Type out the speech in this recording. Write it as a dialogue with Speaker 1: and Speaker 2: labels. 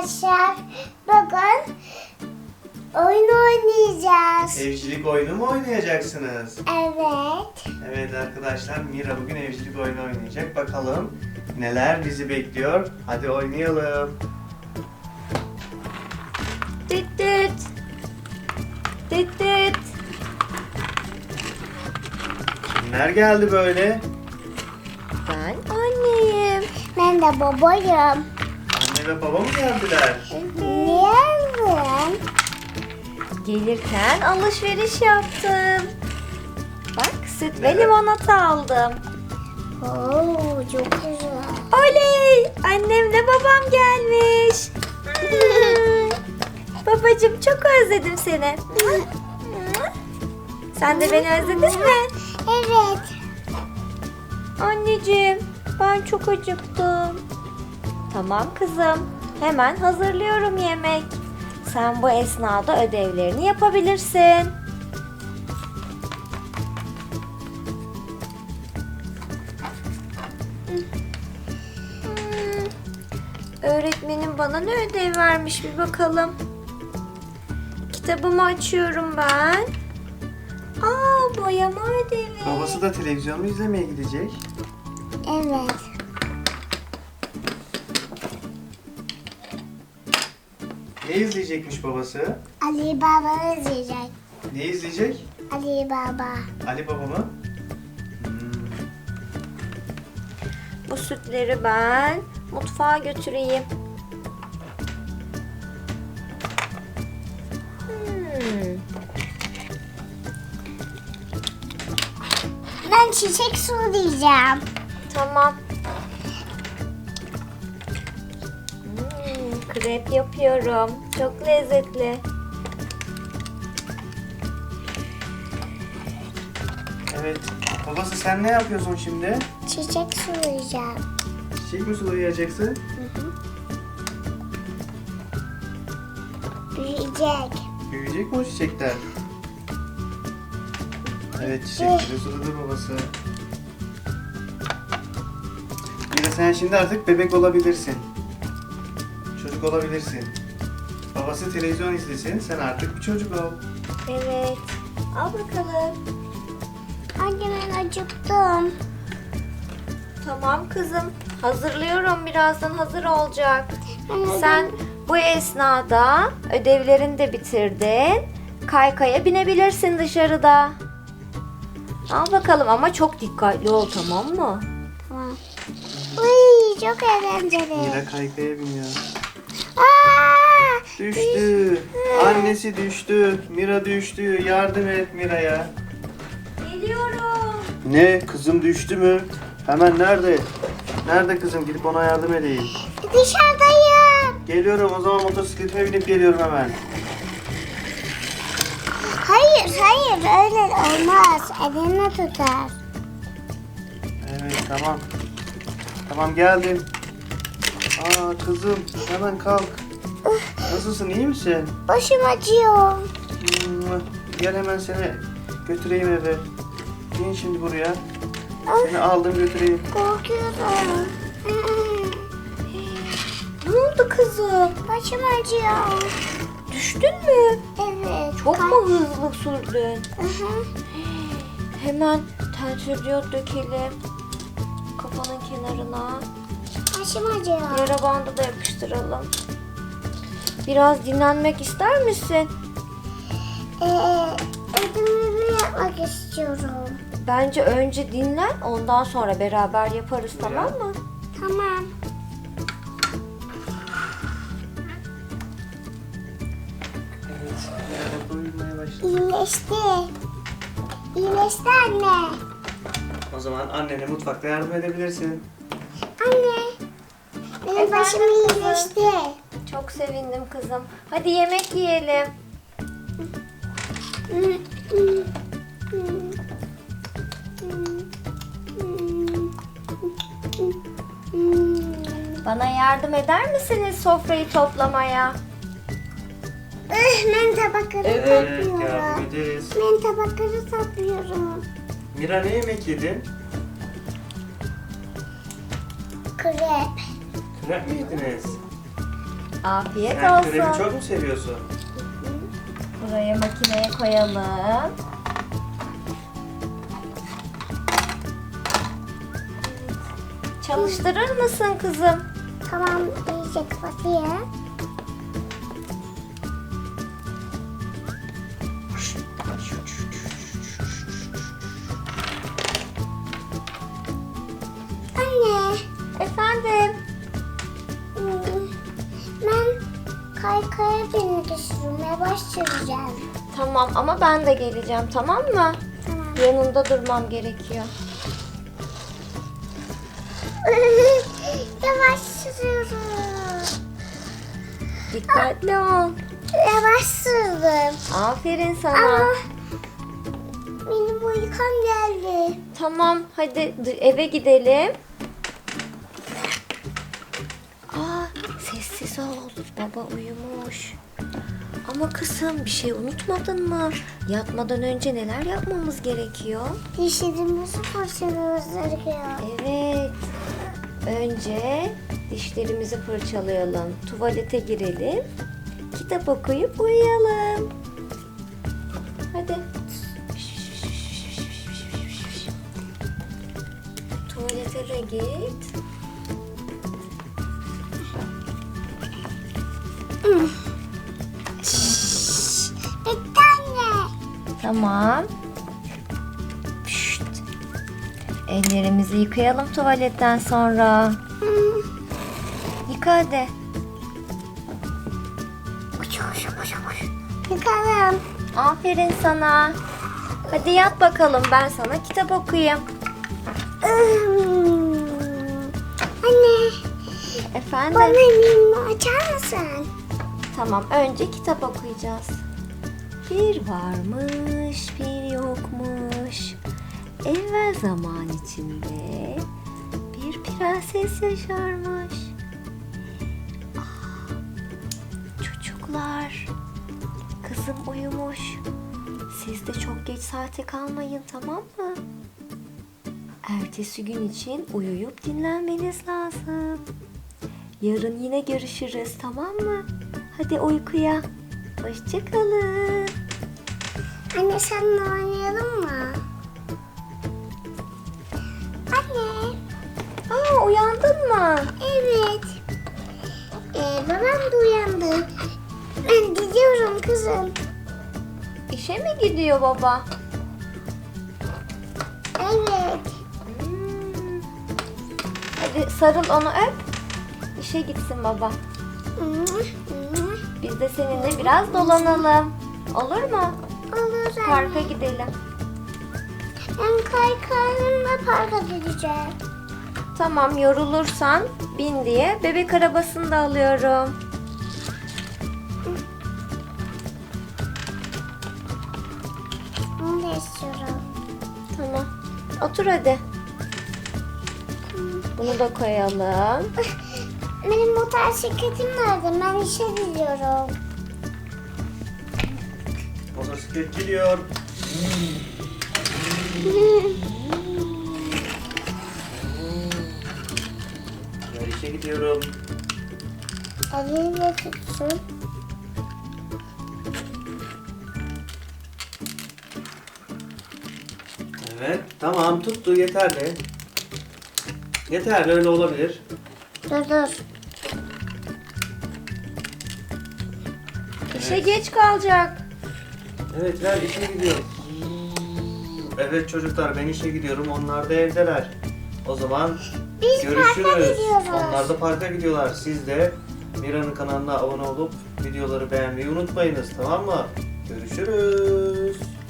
Speaker 1: arkadaşlar. Bugün oyun oynayacağız.
Speaker 2: Evcilik oyunu mu oynayacaksınız?
Speaker 1: Evet.
Speaker 2: Evet arkadaşlar, Mira bugün evcilik oyunu oynayacak. Bakalım neler bizi bekliyor. Hadi oynayalım.
Speaker 3: Düt düt. Düt düt.
Speaker 2: Kimler geldi böyle?
Speaker 3: Ben anneyim.
Speaker 1: Ben de babayım.
Speaker 2: Anne ve baba mı geldiler?
Speaker 1: Niye aldın?
Speaker 3: Gelirken alışveriş yaptım. Bak süt ve
Speaker 2: Evet.
Speaker 3: limonata aldım.
Speaker 1: Oo, çok güzel.
Speaker 3: Oley! Annemle babam gelmiş. Babacığım çok özledim seni. Sen de beni özledin mi?
Speaker 1: Evet.
Speaker 3: Anneciğim ben çok acıktım. Tamam kızım. Hemen hazırlıyorum yemek. Sen bu esnada ödevlerini yapabilirsin. Öğretmenim bana ne ödev vermiş bir bakalım. Kitabımı açıyorum ben. Boyama ödevi.
Speaker 2: Babası da televizyonu izlemeye gidecek.
Speaker 1: Evet.
Speaker 2: Ne izleyecekmiş babası?
Speaker 1: Ali Baba izleyecek.
Speaker 2: Ne izleyecek?
Speaker 1: Ali Baba.
Speaker 2: Ali Baba mı?
Speaker 3: Bu sütleri ben mutfağa götüreyim.
Speaker 1: Ben çiçek sulayacağım.
Speaker 3: Tamam. Krep yapıyorum. Çok lezzetli.
Speaker 2: Evet. Babası sen ne yapıyorsun şimdi?
Speaker 1: Çiçek sulayacağım.
Speaker 2: Çiçek mi sulayacaksın?
Speaker 1: Büyüyecek.
Speaker 2: Büyüyecek mi o çiçekler? Evet, çiçekleri suladı babası. Mira sen şimdi artık bebek olabilirsin. Çocuk olabilirsin. Babası televizyon izlesin, sen artık bir çocuk ol.
Speaker 3: Evet. Al bakalım.
Speaker 1: Anne ben acıktım.
Speaker 3: Tamam kızım. Hazırlıyorum. Birazdan hazır olacak.
Speaker 1: Ben
Speaker 3: Sen bu esnada ödevlerini de bitirdin. Kaykaya binebilirsin dışarıda. Al bakalım ama çok dikkatli ol, tamam mı?
Speaker 1: Tamam. Uy, çok eğlenceli.
Speaker 2: Mira kaykaya biniyor.
Speaker 1: Aa!
Speaker 2: Düştü. Annesi düştü. Mira düştü. Yardım et Mira'ya.
Speaker 3: Geliyorum.
Speaker 2: Ne? Kızım düştü mü? Hemen nerede? Nerede kızım? Gidip ona yardım edeyim.
Speaker 1: Dışarıdayım.
Speaker 2: Geliyorum, o zaman motosikletime binip geliyorum hemen.
Speaker 1: Hayır, öyle olmaz. Elini tutar.
Speaker 2: Evet, tamam. Tamam, geldim. Aa kızım, hemen kalk. Nasılsın, iyi misin?
Speaker 1: Başım acıyor.
Speaker 2: Gel hemen seni götüreyim eve. İn şimdi buraya. Seni aldım götüreyim.
Speaker 1: Korkuyorum.
Speaker 3: Ne oldu kızım?
Speaker 1: Başım acıyor.
Speaker 3: Düştün mü?
Speaker 1: Evet.
Speaker 3: Çok mu hızlı sürdün?
Speaker 1: Hı.
Speaker 3: Hemen tensürdiyot dökelim. Kafanın kenarına.
Speaker 1: Başım acıyor.
Speaker 3: Yara bandı da yapıştıralım. Biraz dinlenmek ister misin?
Speaker 1: Ödümümü yapmak istiyorum.
Speaker 3: Bence önce dinlen, ondan sonra beraber yaparız, tamam mı?
Speaker 1: Tamam.
Speaker 2: Evet, Mira uyumaya başladı.
Speaker 1: İyileşti. İyileşti anne.
Speaker 2: O zaman annene mutfakta yardım edebilirsin.
Speaker 1: Anne. Benim
Speaker 3: Efendim
Speaker 1: başım
Speaker 3: kızım?
Speaker 1: iyileşti.
Speaker 3: Çok sevindim kızım. Hadi yemek yiyelim. Bana yardım eder misiniz sofrayı toplamaya?
Speaker 1: Ben tabakları
Speaker 2: Evet, yardım
Speaker 1: topluyorum.
Speaker 2: ederiz.
Speaker 1: Ben tabakları topluyorum.
Speaker 2: Mira ne yemek yedin?
Speaker 1: Krep.
Speaker 2: Krep mi yediniz?
Speaker 3: Afiyet
Speaker 2: Sen görevi
Speaker 3: olsun.
Speaker 2: çok mu seviyorsun?
Speaker 3: Buraya makineye koyalım. Çalıştırır mısın kızım?
Speaker 1: Tamam, iyice kapatayım. Anne,
Speaker 3: Efendim?
Speaker 1: ben kaykaya binmek istiyorum. Yavaş süreceğim.
Speaker 3: Tamam ama ben de geleceğim, tamam mı?
Speaker 1: Tamam.
Speaker 3: Yanında durmam gerekiyor.
Speaker 1: Yavaş sürüyorum.
Speaker 3: Dikkatli ol.
Speaker 1: Yavaş sürdüm.
Speaker 3: Aferin sana.
Speaker 1: Ama benim uykum geldi.
Speaker 3: Tamam, hadi eve gidelim. Aa, sessiz ol. Baba uyumuş. Ama kızım, bir şey unutmadın mı? Yatmadan önce neler yapmamız gerekiyor?
Speaker 1: Dişlerimizi fırçalıyoruz gerekiyor.
Speaker 3: Evet. Önce dişlerimizi fırçalayalım. Tuvalete girelim. Kitap okuyup uyuyalım. Hadi. Tuvalete de git.
Speaker 1: Bitti anne.
Speaker 3: Tamam. Pişt. Ellerimizi yıkayalım tuvaletten sonra. Yıka hadi.
Speaker 1: Yıkalım.
Speaker 3: Aferin sana. Hadi yat bakalım, ben sana kitap okuyayım.
Speaker 1: Anne,
Speaker 3: Efendim?
Speaker 1: bana elimi açar mısın?
Speaker 3: Tamam, önce kitap okuyacağız. Bir varmış, bir yokmuş. Evvel zaman içinde bir prenses yaşarmış. Ah, çocuklar, kızım uyumuş. Siz de çok geç saate kalmayın, tamam mı? Ertesi gün için uyuyup dinlenmeniz lazım. Yarın yine görüşürüz, tamam mı? Hadi uykuya. Hoşça kalın.
Speaker 1: Anne, seninle oynayalım mı? Anne,
Speaker 3: Aa, uyandın mı?
Speaker 1: evet. Babam da uyandı. Ben gidiyorum kızım.
Speaker 3: İşe mi gidiyor baba?
Speaker 1: Evet.
Speaker 3: Hmm. Hadi sarıl, onu öp. İşe gitsin baba. Biz de seninle biraz dolanalım. Olur mu?
Speaker 1: Olur anne.
Speaker 3: Parka gidelim.
Speaker 1: Ben kaykayımla parka gideceğim.
Speaker 3: Tamam, yorulursan bin diye bebek arabasını da alıyorum.
Speaker 1: Onu da istiyorum.
Speaker 3: Tamam. Otur hadi. Bunu da koyalım.
Speaker 1: Benim motosikletim nerede? Ben işe gidiyorum.
Speaker 2: Motosiklet geliyor. Ben işe gidiyorum.
Speaker 1: Eliyle tutsun.
Speaker 2: Evet, tamam tuttu yeterli. Yeterli, öyle olabilir.
Speaker 1: Dur.
Speaker 3: İşe geç kalacak.
Speaker 2: Evet, ver işe gidiyor. Evet çocuklar, ben işe gidiyorum, onlar da evdeler. O zaman
Speaker 1: Biz parka
Speaker 2: görüşürüz.
Speaker 1: gidiyoruz.
Speaker 2: Onlar da parka gidiyorlar. Siz de Mira'nın kanalına abone olup videoları beğenmeyi unutmayınız, tamam mı? Görüşürüz.